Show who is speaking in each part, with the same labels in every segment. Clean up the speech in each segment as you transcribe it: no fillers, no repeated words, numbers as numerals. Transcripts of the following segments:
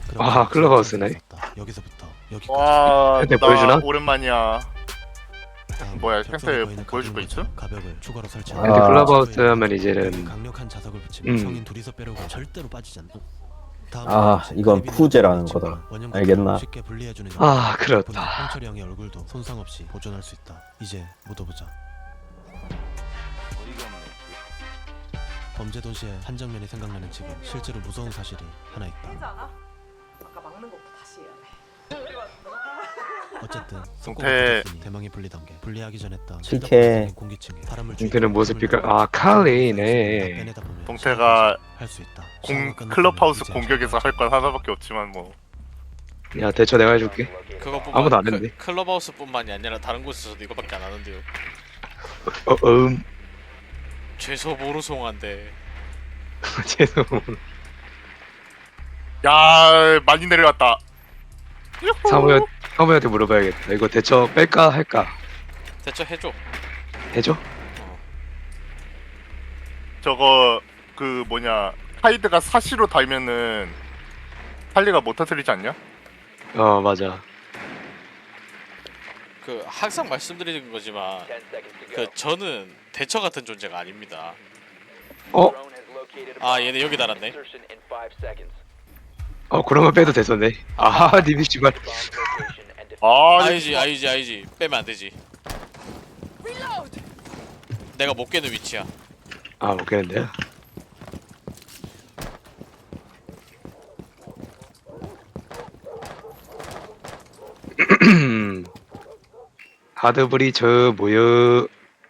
Speaker 1: 아, 클럽하우스네.
Speaker 2: 여기서부터 여기까지.
Speaker 3: 와,
Speaker 1: 현태
Speaker 3: 나
Speaker 1: 보여주나?
Speaker 3: 오랜만이야.
Speaker 2: 다음,
Speaker 3: 뭐야,
Speaker 2: 격전에
Speaker 3: 현태
Speaker 2: 거인을
Speaker 3: 보여줄 거
Speaker 2: 가둔
Speaker 3: 있어?
Speaker 2: 거죠. 가벽을 추가로 설치.
Speaker 1: 현태 클럽하우스 하면 이제는
Speaker 2: 강력한 자석을 붙이면
Speaker 1: 음.
Speaker 2: 성인 둘이서 빼려고 절대로 빠지지 않는.
Speaker 4: 아, 이건 푸제라는 거다. 알겠나?
Speaker 2: 쉽게 분리해주는
Speaker 1: 아,
Speaker 2: 덕분에
Speaker 1: 그렇다.
Speaker 2: 홍철이 형의 얼굴도 손상 없이 보존할 수 있다. 이제 묻어보자. 범죄 도시의 한 장면이 생각나는 지금 실제로 무서운 사실이 하나
Speaker 5: 되지
Speaker 2: 있다.
Speaker 5: 않아? 아까 막는 것부터 다시 해야 돼.
Speaker 2: 어쨌든
Speaker 3: 동태.
Speaker 2: 대망이 분리단 게 분리하기 전 했던
Speaker 4: 실패.
Speaker 2: 공기층에 바람을
Speaker 1: 동태는 모습이가 아 칼리네.
Speaker 3: 동태가
Speaker 2: 할수 있다.
Speaker 3: 클럽하우스 공격에서 할 건 하나밖에 없지만 뭐.
Speaker 1: 야 대처 내가 해줄게.
Speaker 6: 그것뿐만
Speaker 1: 아무도 안 했는데.
Speaker 6: 클럽하우스뿐만이 아니라 다른 곳에서도 이거밖에 안 하는데요. 최소 모르송한데.
Speaker 1: 죄송.
Speaker 3: 야, 많이 내려갔다.
Speaker 1: 사무한테 물어봐야겠다. 이거 대처 뺄까 할까?
Speaker 6: 대처 해줘.
Speaker 1: 해줘?
Speaker 3: 저거 그 뭐냐, 하이드가 사시로 달면은 할리가 못 터뜨리지 않냐?
Speaker 1: 어 맞아.
Speaker 6: 그 항상 말씀드리는 거지만 그 저는 대처 같은 존재가 아닙니다.
Speaker 1: 어?
Speaker 6: 아 얘네 여기 달았네.
Speaker 1: 그러면 빼도 됐었네. 아 니비 씨발.
Speaker 3: 아,
Speaker 6: 아니지 빼면 안 되지. 내가 못 깨는 위치야.
Speaker 1: 아 못 깨는데요? 하드브리 저 모여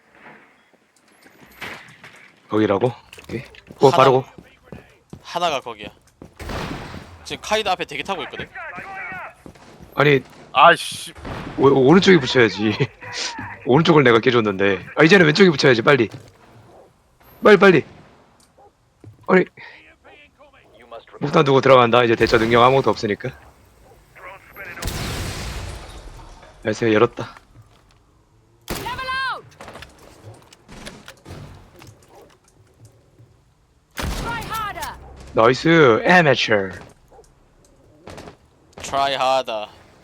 Speaker 1: 거기라고? 오케이. 바르고.
Speaker 6: 하나가 거기야. 지금 카이드 앞에 대기 타고 있거든.
Speaker 1: 아니
Speaker 3: 아이씨,
Speaker 1: 오른쪽에 붙여야지. 오른쪽을 내가 깨줬는데. 아 이제는 왼쪽에 붙여야지 빨리. 빨리. 아니 목탄 두고 들어간다. 이제 대처 능력 아무것도 없으니까. 열쇠 열었다. 나이스 amateur.
Speaker 6: Try harder.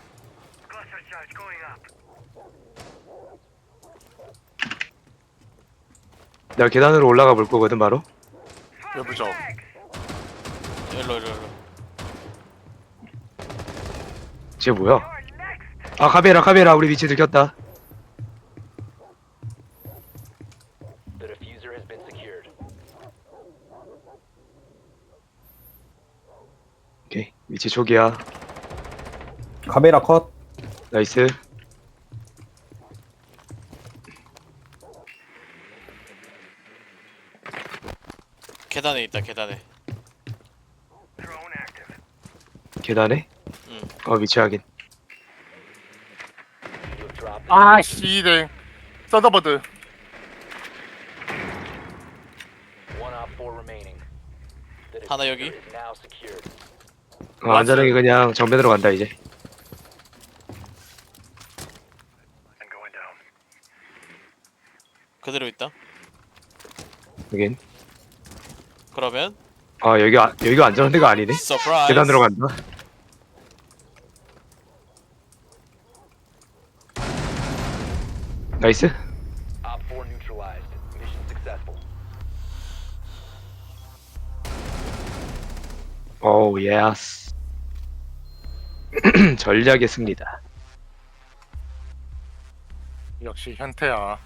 Speaker 1: 내가 계단으로 올라가 볼 거거든 바로.
Speaker 3: 여보죠.
Speaker 6: 일로.
Speaker 1: 쟤 뭐야? 아 카메라 우리 위치 들켰다. 오케이 위치 초기야.
Speaker 4: 카메라 컷.
Speaker 1: 나이스.
Speaker 6: 계단에 있다 계단에.
Speaker 1: 계단에?
Speaker 6: 응.
Speaker 1: 위치 확인.
Speaker 3: 아씨, 네. 서더버드.
Speaker 6: 하나 여기.
Speaker 1: 안전하게 그냥 정면으로 간다 이제.
Speaker 6: 그대로 있다.
Speaker 1: 여긴.
Speaker 6: 그러면
Speaker 1: 여기가 안전한 데가 아니네.
Speaker 6: 서프라이즈.
Speaker 1: 계단으로 간다. 나이스. 오 예스. 전략의 승리다.
Speaker 3: 역시 현태야.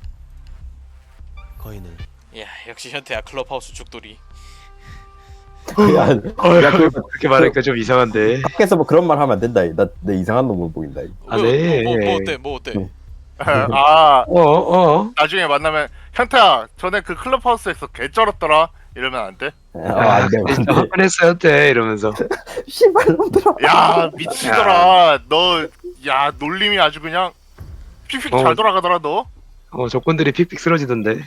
Speaker 2: 거인을
Speaker 6: 야 역시 현태야 클럽하우스 죽돌이.
Speaker 4: 야,
Speaker 1: 그렇게 말하니까 좀 이상한데.
Speaker 4: 밖에서 뭐 그런 말 하면 안 된다. 내 이상한 놈을 보인다.
Speaker 1: 아, 네.
Speaker 6: 뭐 어때?
Speaker 3: 아,
Speaker 1: 나중에
Speaker 3: 나중에 만나면 현태야, 전에 그 클럽하우스에서 개 쩔었더라. 이러면 안 돼?
Speaker 4: 안 돼, 안 돼.
Speaker 1: 한번했어요 때 이러면서.
Speaker 4: 씨발 놈들아.
Speaker 3: 야, 미치더라. 너, 야, 놀림이 아주 그냥 픽픽 잘 돌아가더라 너.
Speaker 1: 조건들이 픽픽 쓰러지던데.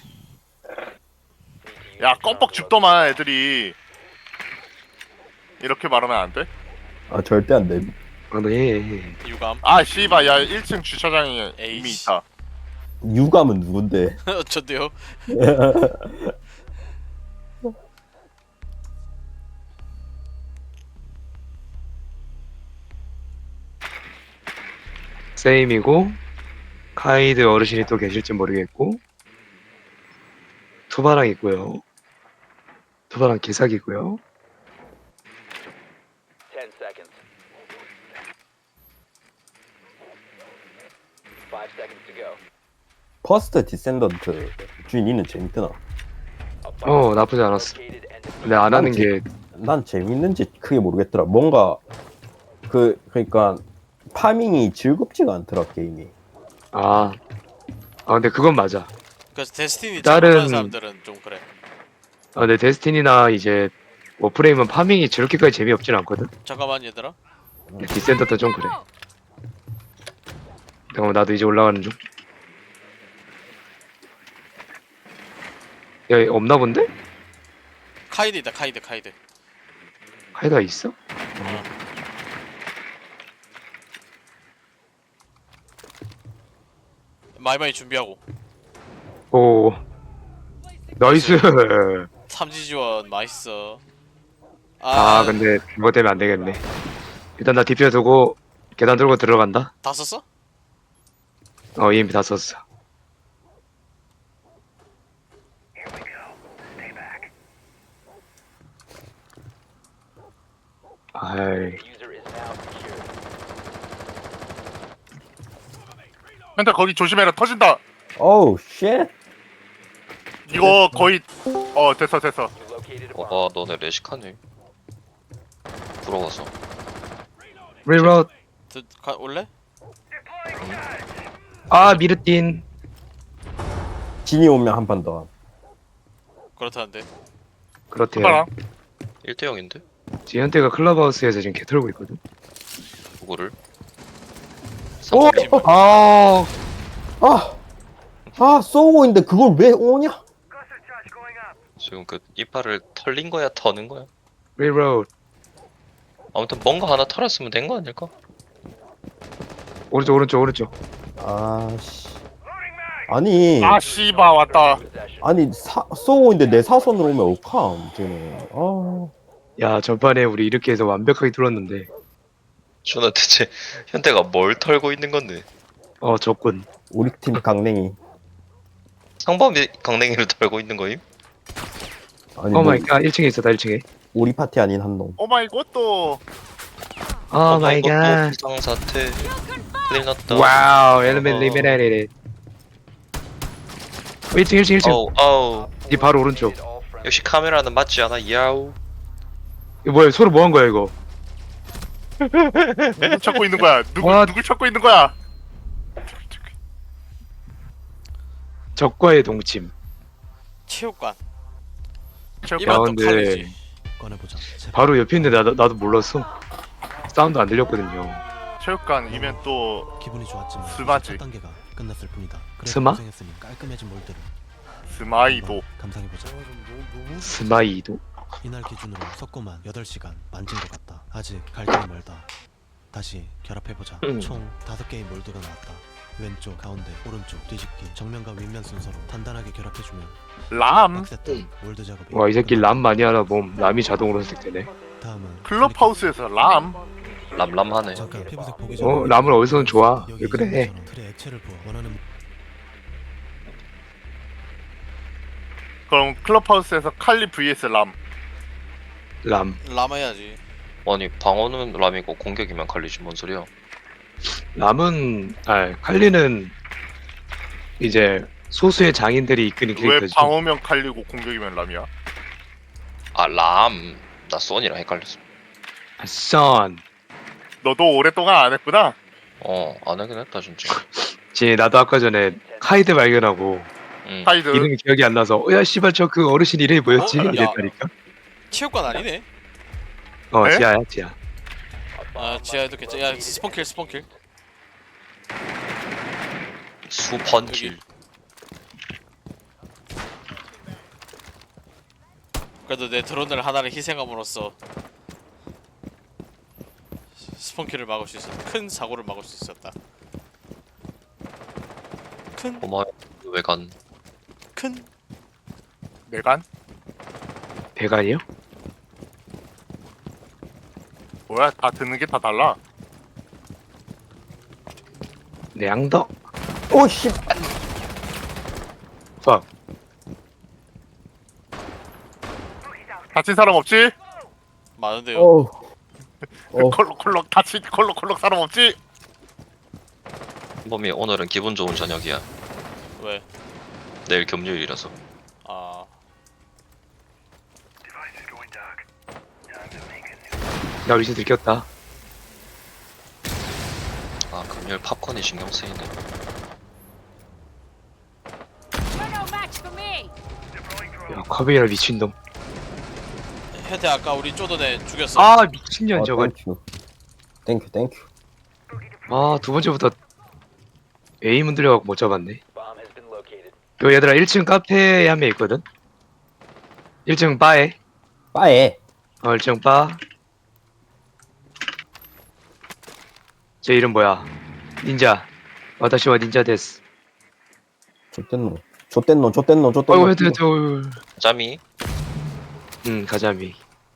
Speaker 3: 야, 껌뻑 죽더만 애들이. 이렇게 말하면 안 돼?
Speaker 4: 아, 절대 안 돼.
Speaker 1: 네.
Speaker 6: 유감.
Speaker 3: 아, 씨발, 야, 1층 주차장에 이미
Speaker 6: 에이씨.
Speaker 3: 있다.
Speaker 4: 유감은 누군데?
Speaker 6: 어쩐데요?
Speaker 1: 세임이고 카이드 어르신이 또 계실지 모르겠고 투바랑 있고요. 투바랑 개사기고요.
Speaker 4: 퍼스트 디센던트 주인이는 재밌더나.
Speaker 1: 나쁘지 않았어. 근데 안 하는 게
Speaker 4: 난 재밌는지 크게 모르겠더라. 뭔가 그러니까 파밍이 즐겁지가 않더라 게임이.
Speaker 1: 근데 그건 맞아.
Speaker 6: 그래서 데스티니
Speaker 1: 다른-
Speaker 6: 잘못하는 사람들은 좀 그래.
Speaker 1: 근데 데스티니나 이제 워프레임은 파밍이 저렇게까지 재미없진 않거든.
Speaker 6: 잠깐만 얘들아.
Speaker 1: 디센터도 좀 그래. 잠깐만 나도 이제 올라가는 중. 야, 얘 없나 본데?
Speaker 6: 카이드다 카이드.
Speaker 1: 카이드가 있어?
Speaker 6: 마이마이 준비하고.
Speaker 1: 오, 나이스.
Speaker 6: 삼지 지원 맛있어.
Speaker 1: 근데 그거 때문에 안 되겠네. 일단 나 뒤편 두고 계단 들고 들어간다.
Speaker 6: 다 썼어?
Speaker 1: EMP 다 썼어. 아이,
Speaker 3: 현태 거기 조심해라. 터진다.
Speaker 4: 오우 쉣.
Speaker 3: 이거 거의 됐어.
Speaker 7: 와 너네 레식하네. 부러워서.
Speaker 1: 리로드.
Speaker 6: 올래?
Speaker 1: 미르틴.
Speaker 4: 진이 오면 한 판 더.
Speaker 6: 그렇다는데.
Speaker 1: 그렇대요.
Speaker 3: 봐라.
Speaker 7: 1대0인데?
Speaker 1: 지금 현태가 클럽하우스에서 지금 개 털고 있거든.
Speaker 7: 누구를?
Speaker 1: 오! 아,
Speaker 4: 쏘고 있는데 그걸 왜 오냐?
Speaker 7: 지금 그 이빨을 털린 거야 터는 거야?
Speaker 1: 리로드.
Speaker 7: 아무튼 뭔가 하나 털었으면 된 거 아닐까?
Speaker 1: 오른쪽.
Speaker 4: 아씨. 아니
Speaker 3: 씨바 왔다.
Speaker 4: 쏘고 있는데 내 사선으로 오면 어떡함 쟤는.
Speaker 1: 야, 전판에 우리 이렇게 해서 완벽하게 뚫었는데.
Speaker 7: 저는 대체 현태가 뭘 털고 있는 건데?
Speaker 1: 적군.
Speaker 4: 우리 팀 강냉이.
Speaker 7: 상범이 강냉이를 털고 있는 거임?
Speaker 4: 아니 뭐,
Speaker 1: 마이 갓, 1층에 있었다, 1층에.
Speaker 4: 우리 파티 아닌 한 놈.
Speaker 3: 오마이 갓도.
Speaker 1: 마이 갓.
Speaker 7: 비상사태 큰일 났다.
Speaker 1: 와우, 엘리멘 리베레레. 1층.
Speaker 7: 아우
Speaker 1: 이 바로 오른쪽.
Speaker 7: 역시 카메라는 맞지 않아 야우.
Speaker 1: 이거 뭐야, 서로 뭐 한 거야, 이거?
Speaker 3: 누구 찾고 있는 거야?
Speaker 1: What?
Speaker 3: 누구 찾고 있는 거야?
Speaker 1: 적과의 동침.
Speaker 6: 체육관.
Speaker 3: 체육관.
Speaker 6: 이만 또
Speaker 1: 근데
Speaker 6: 칼리지.
Speaker 2: 꺼내보자. 제발.
Speaker 1: 바로 옆에 있는데 나도 몰랐어. 사운드 안 들렸거든요.
Speaker 3: 체육관이면 또
Speaker 2: 기분이 좋았지만
Speaker 3: 스마지.
Speaker 2: 첫 단계가 끝났을 뿐이다. 그래도
Speaker 1: 스마?
Speaker 2: 고생했으니 깔끔해진 몰드를
Speaker 3: 스마이도.
Speaker 2: 감상해보자.
Speaker 1: 스마이도.
Speaker 2: 이날 기준으로 석고만 8시간 만진 것 같다. 아직 갈 길이 멀다. 다시 결합해보자. 총 5개의 몰드가 나왔다. 왼쪽, 가운데, 오른쪽, 뒤집기, 정면과 윗면 순서로 단단하게 결합해주면
Speaker 3: 람.
Speaker 2: 빡셌던 몰드 작업이
Speaker 1: 와, 이 새끼 람 많이 하나 봄. 람이 자동으로 선택되네.
Speaker 2: 다음은
Speaker 3: 클럽하우스에서 람.
Speaker 7: 람람하네.
Speaker 2: 잠깐 피부색 보기 전에
Speaker 1: 람을 어디서는 좋아.
Speaker 2: 여기
Speaker 1: 왜 그래?
Speaker 2: 이정도처럼 틀에 액체를 부어 원하는
Speaker 3: 그럼 클럽하우스에서 칼리 vs 람.
Speaker 1: 람.
Speaker 6: 라마야지.
Speaker 7: 아니 방어는 람이고 공격이면 칼리지 뭔 소리야?
Speaker 1: 람은, 칼리는 이제 소수의 장인들이 이끄는
Speaker 3: 왜
Speaker 1: 캐릭터지.
Speaker 3: 방어면 칼리고 공격이면 람이야?
Speaker 7: 아 람. 나 소니랑 헷갈렸어.
Speaker 1: 선.
Speaker 3: 너도 오랫동안 안 했구나.
Speaker 7: 안 하긴 했다 진짜.
Speaker 1: 나도 아까 전에 카이드 발견하고
Speaker 3: 카이드.
Speaker 1: 이름이 기억이 안 나서 야 씨발 저 그 어르신 이름이 뭐였지?
Speaker 6: 야.
Speaker 1: 이랬다니까.
Speaker 6: 체육관 아니네.
Speaker 3: 에?
Speaker 1: 지하야 지하.
Speaker 6: 지하에도 괜찮아. 야 스폰킬.
Speaker 7: 수펀킬.
Speaker 6: 그래도 내 드론을 하나를 희생함으로써 스폰킬을 막을 수 있었다. 큰 사고를 막을 수 있었다.
Speaker 7: 고마워. 외관.
Speaker 6: 큰
Speaker 3: 내간?
Speaker 1: 대간이요?
Speaker 3: 뭐야? 다 듣는 게 다 달라.
Speaker 1: 내 양덕.
Speaker 4: 오씨.
Speaker 1: 팍.
Speaker 3: 다친 사람 없지?
Speaker 6: 많은데요.
Speaker 4: 어우. 어.
Speaker 3: 콜록콜록 다친 콜록콜록 사람 없지?
Speaker 7: 범이 오늘은 기분 좋은 저녁이야.
Speaker 6: 왜?
Speaker 7: 내일 금요일이라서.
Speaker 6: 아
Speaker 1: 나 우리 집 들켰다.
Speaker 7: 아 금요일 팝콘이 신경 쓰이네.
Speaker 1: 야 카베이라 미친놈.
Speaker 6: 혜태 아까 우리 쪼던 애 죽였어.
Speaker 1: 아 미친년 저거.
Speaker 4: 땡큐.
Speaker 1: 아 두 번째부터 에임 흔들려갖고 못 잡았네. 요 얘들아 1층 카페에 한 명 있거든. 1층 바에.
Speaker 4: 빠에.
Speaker 1: 1층 바. 제 이름 뭐야? 닌자. 와타시와 닌자 데스.
Speaker 4: 좆됐노.
Speaker 1: 어이구 헤드.
Speaker 7: 짬이
Speaker 1: 가자미.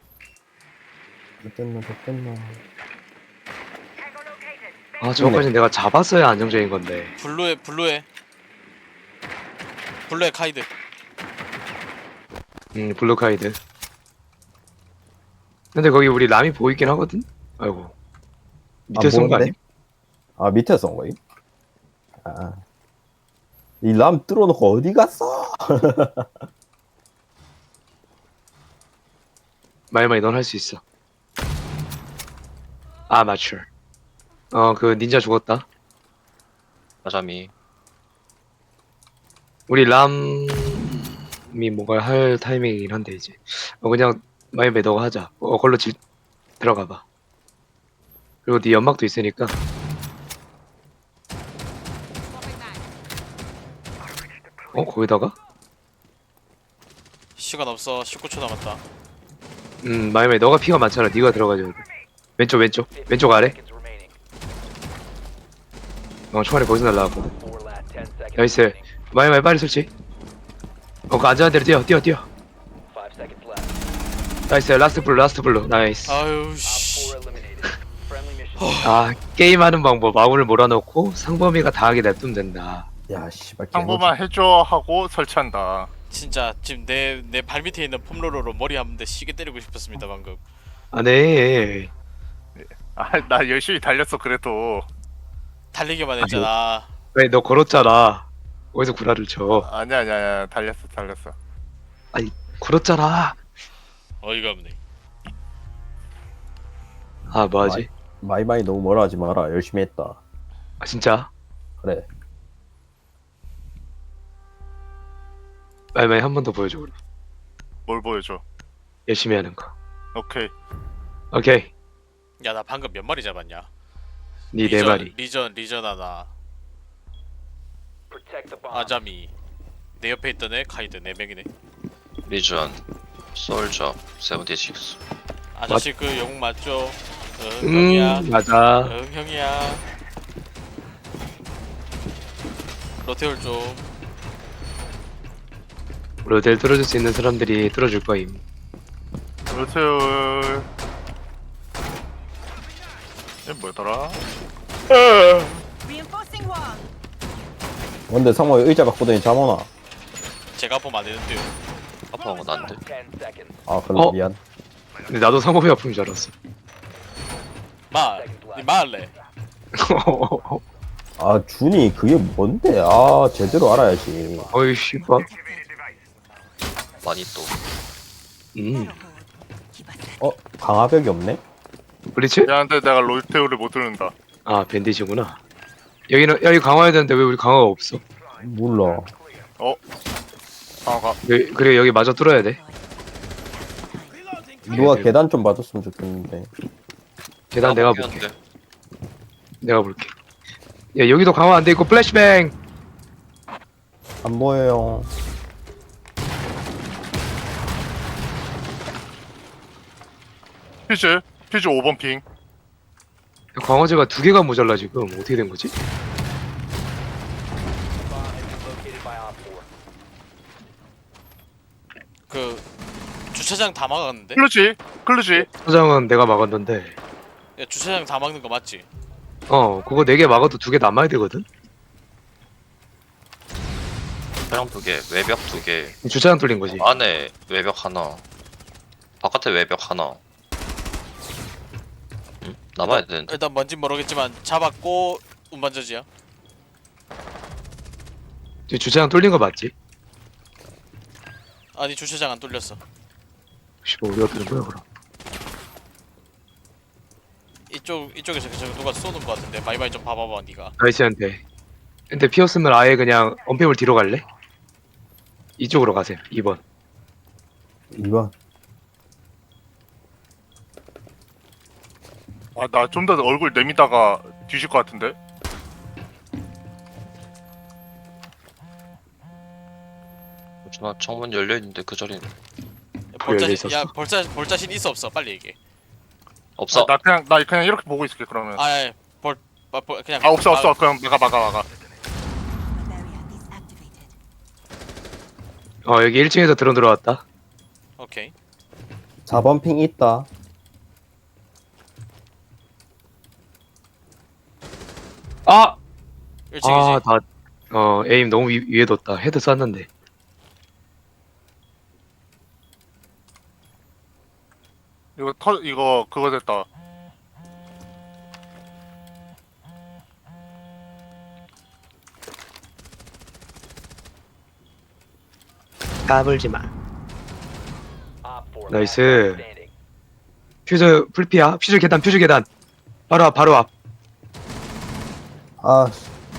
Speaker 4: 좆됐노.
Speaker 1: 아 저거까지 내가 잡았어야 안정적인 건데.
Speaker 6: 블루에 카이드.
Speaker 1: 블루카이드. 근데 거기 우리 람이 보이긴 하거든? 아이고. 밑에 쏜 거 아님?
Speaker 4: 아 밑에 쏜 거임? 아. 이 람 뚫어놓고 어디 갔어?
Speaker 1: 마이마이 넌 할 수 있어. 아 맞추. 그 닌자 죽었다.
Speaker 7: 아잠이
Speaker 1: 우리 람이 뭔가 할 타이밍이긴 한데 이제. 그냥 마이마이 너가 하자. 걸로 들어가봐. 그리고 네 연막도 있으니까. 거기다가?
Speaker 6: 시간 없어. 19초 남았다.
Speaker 1: 마이마이 너가 피가 많잖아. 네가 들어가자. 왼쪽 아래. 총알이 거기서 날라왔거든. 나이스. 마이마이 빨리 설치. 그 안전한 데로 뛰어. 나이스. 라스트 블루. 나이스.
Speaker 6: 아유 씨.
Speaker 1: 게임하는 방법. 마구를 몰아넣고 상범이가 당하게 냅두면 된다.
Speaker 4: 야 씨발.
Speaker 3: 한 번만 해줘 하고 설치한다.
Speaker 6: 진짜 지금 내 발밑에 있는 폼롤러로 머리 한 대 시게 때리고 싶었습니다 방금.
Speaker 1: 네.
Speaker 3: 나 열심히 달렸어 그래도.
Speaker 6: 달리기만 했잖아.
Speaker 1: 왜 너 걸었잖아. 어디서 구라를 쳐.
Speaker 3: 아니야 달렸어.
Speaker 1: 걸었잖아.
Speaker 6: 어이가 없네.
Speaker 1: 뭐하지?
Speaker 4: 마이마이 너무 뭐라 하지 마라. 열심히 했다.
Speaker 1: 진짜?
Speaker 4: 그래.
Speaker 1: 마이마이 한 번 더 보여줘. 그럼.
Speaker 3: 뭘 보여줘?
Speaker 1: 열심히 하는 거.
Speaker 3: 오케이.
Speaker 6: 야 나 방금 몇 마리 잡았냐?
Speaker 1: 네 네 마리.
Speaker 6: 리전 하나. 아자미. 내 옆에 있던 애 카이드 4명이네.
Speaker 7: 리전 솔저 76.
Speaker 6: 아저씨 그 영웅 맞죠? 형이야.
Speaker 1: 맞아.
Speaker 6: 형이야. 로테올 좀.
Speaker 1: 로델 뚫어줄 수 있는 사람들이 뚫어줄 거임.
Speaker 3: 로테올. 얘 뭐더라?
Speaker 4: 근데 상호에 의자 갖고 다니 잠오나.
Speaker 6: 제가 보면 안 되는데요.
Speaker 7: 아파한 건 안 돼.
Speaker 4: 아 그래 미안.
Speaker 1: 근데 나도 상범이 아픔인 줄 알았어.
Speaker 6: 니 말래.
Speaker 4: 아 준이 그게 뭔데? 아 제대로 알아야지.
Speaker 1: 어이 씨발.
Speaker 7: 많이 또
Speaker 4: 강화벽이 없네?
Speaker 1: 블리츠?
Speaker 3: 야 근데 내가 로테올을 못 듣는다.
Speaker 1: 밴디지구나. 여기 강화해야 되는데 왜 우리 강화가 없어?
Speaker 4: 몰라.
Speaker 3: 방어가.
Speaker 1: 그래 여기 마저 뚫어야 돼.
Speaker 4: 누가 계단 좀 봐줬으면 좋겠는데.
Speaker 1: 계단 내가 볼게.
Speaker 7: 피었는데.
Speaker 1: 내가 볼게. 야 여기도 강화 안 돼 있고 플래시뱅.
Speaker 4: 안 보여요.
Speaker 3: 퓨즈 5번 핑.
Speaker 1: 강화제가 2개가 모자라 지금. 어떻게 된 거지?
Speaker 6: 그 주차장 다 막았는데?
Speaker 3: 클루지.
Speaker 1: 소장은 내가 막았는데.
Speaker 6: 야 주차장 다 막는 거 맞지?
Speaker 1: 그거 4개 막아도 2개 남아야 되거든.
Speaker 7: 차량 2개, 외벽 2개,
Speaker 1: 주차장 뚫린 거지.
Speaker 7: 안에 외벽 하나, 바깥에 외벽 하나. 남아야 되는데.
Speaker 6: 일단 뭔진 모르겠지만 잡았고 운반저지야.
Speaker 1: 주차장 뚫린 거 맞지?
Speaker 6: 아니 주차장 안 뚫렸어.
Speaker 1: 씨발 우리가 뚫은 거야 그럼.
Speaker 6: 이쪽에서 계속 누가 쏘는 거 같은데 마이마이 좀 봐봐봐 니가.
Speaker 1: 나이스한테. 근데 피었으면 아예 그냥 언패물 뒤로 갈래? 이쪽으로 가세요. 2번.
Speaker 4: 2번.
Speaker 3: 아, 나 좀 더 얼굴 내미다가 뒤질 것 같은데?
Speaker 7: 나 창문 열려 있는데 그 자리는
Speaker 1: 열려
Speaker 6: 볼자신 야
Speaker 1: 있었어?
Speaker 6: 볼자신 있어 없어 빨리 얘기해.
Speaker 7: 없어.
Speaker 3: 나 그냥 이렇게 보고 있을게 그러면.
Speaker 6: 아예 그냥.
Speaker 3: 없어. 그냥 막아.
Speaker 1: 여기 1층에서 드론 들어왔다.
Speaker 6: 오케이.
Speaker 4: 4번 핑 있다.
Speaker 1: 아!
Speaker 6: 1층이지.
Speaker 1: 에임 너무 위에 뒀다. 헤드 쐈는데.
Speaker 3: 이거 그거 됐다.
Speaker 1: 까불지 마. 나이스. 퓨즈 풀피야. 퓨즈 계단. 바로 앞.
Speaker 4: 아,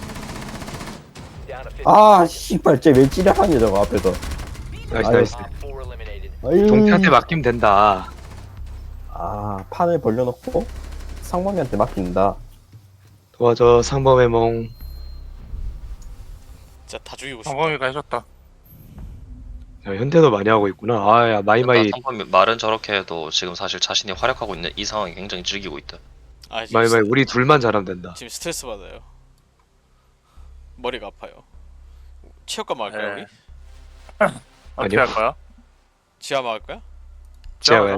Speaker 4: 아, 씨발, 쟤왜 찌려하냐, 저거 앞에서.
Speaker 1: 나이스.
Speaker 4: 아유.
Speaker 1: 동태한테 맡기면 된다.
Speaker 4: 아, 판을 벌려놓고 상범이한테 맡긴다.
Speaker 1: 도와줘 상범의 몽.
Speaker 6: 진짜 다 죽이고 싶다.
Speaker 3: 성범이가 해줬다.
Speaker 1: 야, 현대도 많이 하고 있구나. 아야 마이마이
Speaker 7: 상품이 말은 저렇게 해도 지금 사실 자신이 활약하고 있는 이 상황이 굉장히 즐기고 있다.
Speaker 6: 아 지금,
Speaker 1: 마이마이 우리 둘만 잘하면 된다.
Speaker 6: 지금 스트레스 받아요. 머리가 아파요. 체육관 막을까요
Speaker 3: 네.
Speaker 6: 우리?
Speaker 3: 어떻게
Speaker 1: 아니요.
Speaker 3: 할 거야?
Speaker 6: 지하 막을까요?
Speaker 1: 제가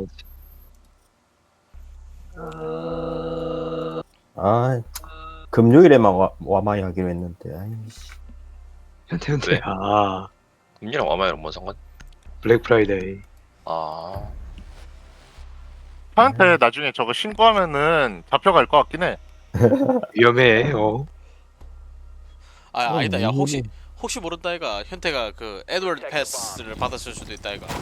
Speaker 4: 아, 금요일에만 와마이 하기로 했는데, 아이씨.
Speaker 1: 현대.
Speaker 7: 왜?
Speaker 1: 아
Speaker 7: 금리랑 와마이랑 뭔 상관?
Speaker 1: 블랙 프라이데이.
Speaker 7: 아,
Speaker 3: 한테 나중에 저거 신고하면은 잡혀갈 것 같긴 해.
Speaker 1: 위험해.
Speaker 6: 아니다. 야
Speaker 4: 뭐,
Speaker 6: 혹시 모른다 이가 현태가 그 에드워드 패스를 받았을 수도 있다 이가.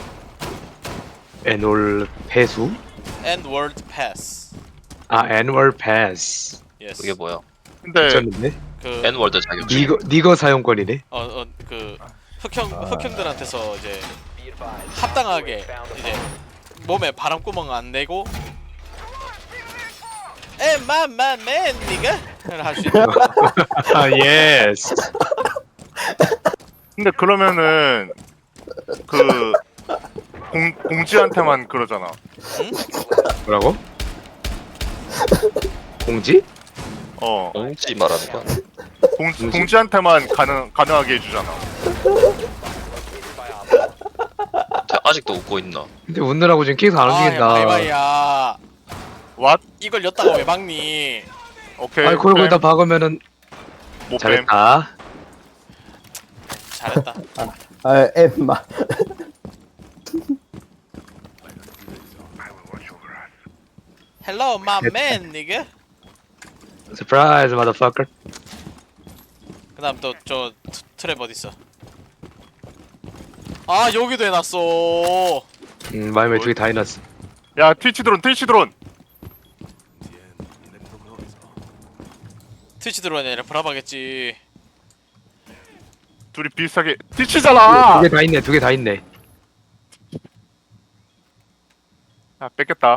Speaker 1: 애놀 패수?
Speaker 6: 엔월드 패스.
Speaker 1: 애니멀 패스.
Speaker 6: 예스.
Speaker 7: 그게 뭐야?
Speaker 3: 근데
Speaker 1: 미쳤는데?
Speaker 6: 그
Speaker 7: N월드 자격증.
Speaker 1: 니거 사용권이네.
Speaker 6: 그 흑형들한테서 이제 합당하게 이제 몸에 바람구멍 안 내고 에맘맘맨 니가 할 수 있는.
Speaker 1: 예스.
Speaker 3: 근데 그러면은 그 공지한테만 그러잖아.
Speaker 1: 뭐라고? 공지?
Speaker 7: 공지 말하는 거야?
Speaker 3: 공지한테만 가능하게 해주잖아.
Speaker 7: 쟤 아직도 웃고 있나?
Speaker 1: 근데 웃느라고 지금 계속 안 움직인다.
Speaker 6: 마이마이야.
Speaker 3: 왓?
Speaker 6: 이걸 였다가 왜 막니?
Speaker 3: 오케이.
Speaker 1: 아이 그걸 거기다 박으면은
Speaker 3: 못 뱀.
Speaker 1: 잘했다.
Speaker 6: 잘했다.
Speaker 4: 아, 엠마.
Speaker 6: 헬로 맘맨 니가.
Speaker 1: Surprise, motherfucker.
Speaker 6: 그다음 또 저 트랩 어디 있어? 아 여기도 해놨어.
Speaker 1: 마이마이 두개 다 해놨어.
Speaker 3: 야 트위치 드론.
Speaker 6: 트위치 들어오냐 아니라 브라바겠지.
Speaker 3: 둘이 비슷하게 트위치잖아.
Speaker 1: 두 개 다 있네.
Speaker 3: 아 뺏겼다.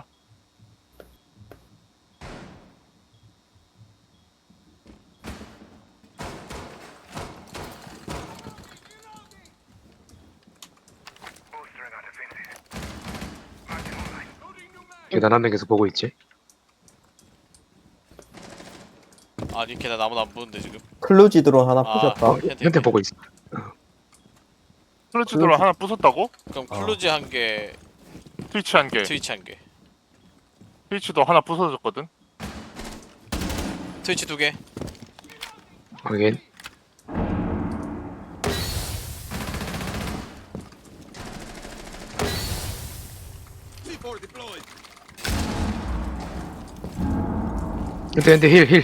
Speaker 1: 계단 한 명 계속 보고 있지.
Speaker 6: 아니 걔네 나무도 안 보는데 지금.
Speaker 4: 클루지 드론 하나
Speaker 6: 아,
Speaker 4: 부셨다.
Speaker 1: 현태 보고 있어.
Speaker 3: 트위치 드론 하나 부쉈다고?
Speaker 6: 그럼 클루지 한 개,
Speaker 3: 트위치 한 개.
Speaker 6: 트위치 한 개.
Speaker 3: 트위치도 하나 부서졌거든.
Speaker 6: 트위치 2개.
Speaker 1: 확인. 근데 힐.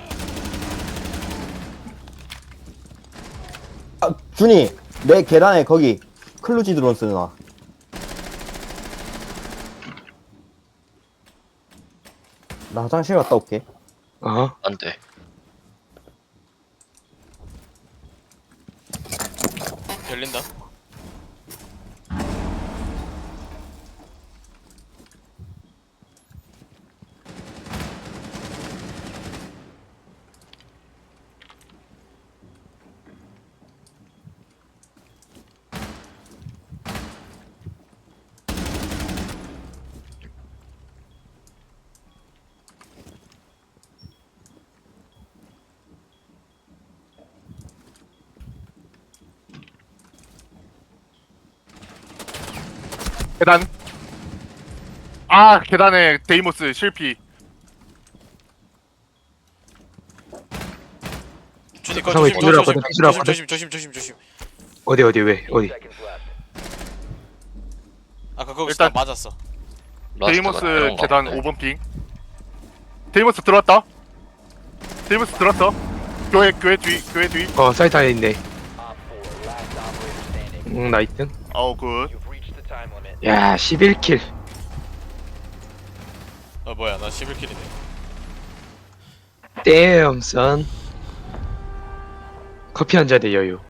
Speaker 4: 아, 준이 내 계단에 거기 클루지 드론 쓰나. 나 화장실 갔다 올게.
Speaker 1: 어.
Speaker 7: 안 돼.
Speaker 6: 열린다.
Speaker 3: 계단. 아 계단에 데이모스 실피.
Speaker 6: 준이 거
Speaker 1: 상호이
Speaker 6: 조심
Speaker 1: 뒤돌아
Speaker 6: 조심
Speaker 1: 왔거든, 뒤돌아
Speaker 6: 조심.
Speaker 1: 어디 왜 어디?
Speaker 6: 아까 거기서
Speaker 3: 일단-
Speaker 6: 나 맞았어.
Speaker 7: 라스트가
Speaker 3: 데이모스
Speaker 7: 이런 거
Speaker 3: 계단
Speaker 7: 같네.
Speaker 3: 5번 핑. 데이모스 들어왔다. 데이모스 들어왔어. 교회 뒤.
Speaker 1: 사이트 안에 있네. 나이스.
Speaker 3: 아우 굿.
Speaker 1: 야 11킬.
Speaker 6: 뭐야 나 11킬이네.
Speaker 1: 땜 선. 커피 한 잔의 여유.